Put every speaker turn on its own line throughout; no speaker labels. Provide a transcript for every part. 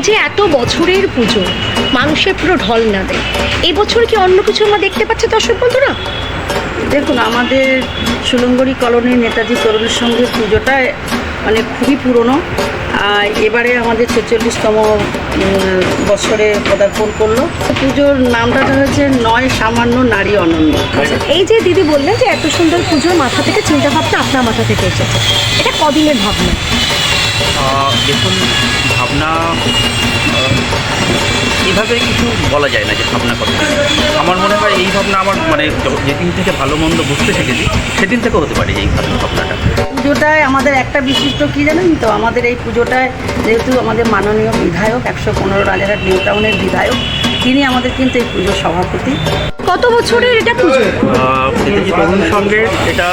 যে এত বছরের পুজো মানুষের পুরো ঢল না দেয়, এই বছর কি অন্য কিছু আমরা দেখতে পাচ্ছি দর্শক বন্ধুরা?
দেখুন, আমাদের সুলঙ্গরি কলোনির নেতাজি তরুণের সঙ্গে পুজোটা মানে খুবই পুরনো। এবারে আমাদের 46তম বছরে পদার্পণ করলো। পুজোর নামটা হয়েছে নয় সামান্য নারী অনন্য।
এই যে দিদি বললেন যে এত সুন্দর পুজোর মাথা থেকে চিন্তা ভাবনা আপনার মাথা থেকে এসেছে, এটা কদিনের ভাবনা?
দেখুন, ভাবনা এভাবে কিছু বলা যায় না যে ভাবনা কথা। আমার মনে হয় এই ভাবনা আমার মানে যেদিন থেকে ভালো মন্দ বুঝতে শিখেছি সেদিন থেকে হতে পারে এই ভাবনাটা।
পুজোটায় আমাদের একটা বিশিষ্ট কী জানেন তো, আমাদের এই পুজোটায় যেহেতু আমাদের মাননীয় বিধায়ক 115 রাজারহাট নিউ টাউনের বিধায়ক, তিনি আমাদের কিন্তু এই পুজোর সভাপতি।
কত বছরের এটা পুজো?
নেতাজি তরুণ সংঘের এটা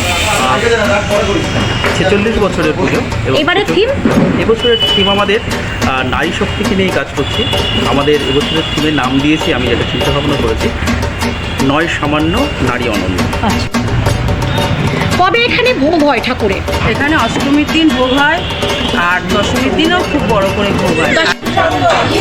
46 বছরের পুজো।
এবারে থিম?
এবছরের থিম আমাদের নারী শক্তিকে নিয়ে কাজ করছি। আমাদের এবছরের থিমের নাম দিয়েছি, আমি যেটা চিন্তা ভাবনা করেছি, নয় সামান্য নারী অনন্য।
আচ্ছা, কবে এখানে ভোগ হয় ঠাকুরের?
এখানে অষ্টমীর দিন ভোগ হয় আর দশমীর দিনও খুব বড় করে ভোগ হয়।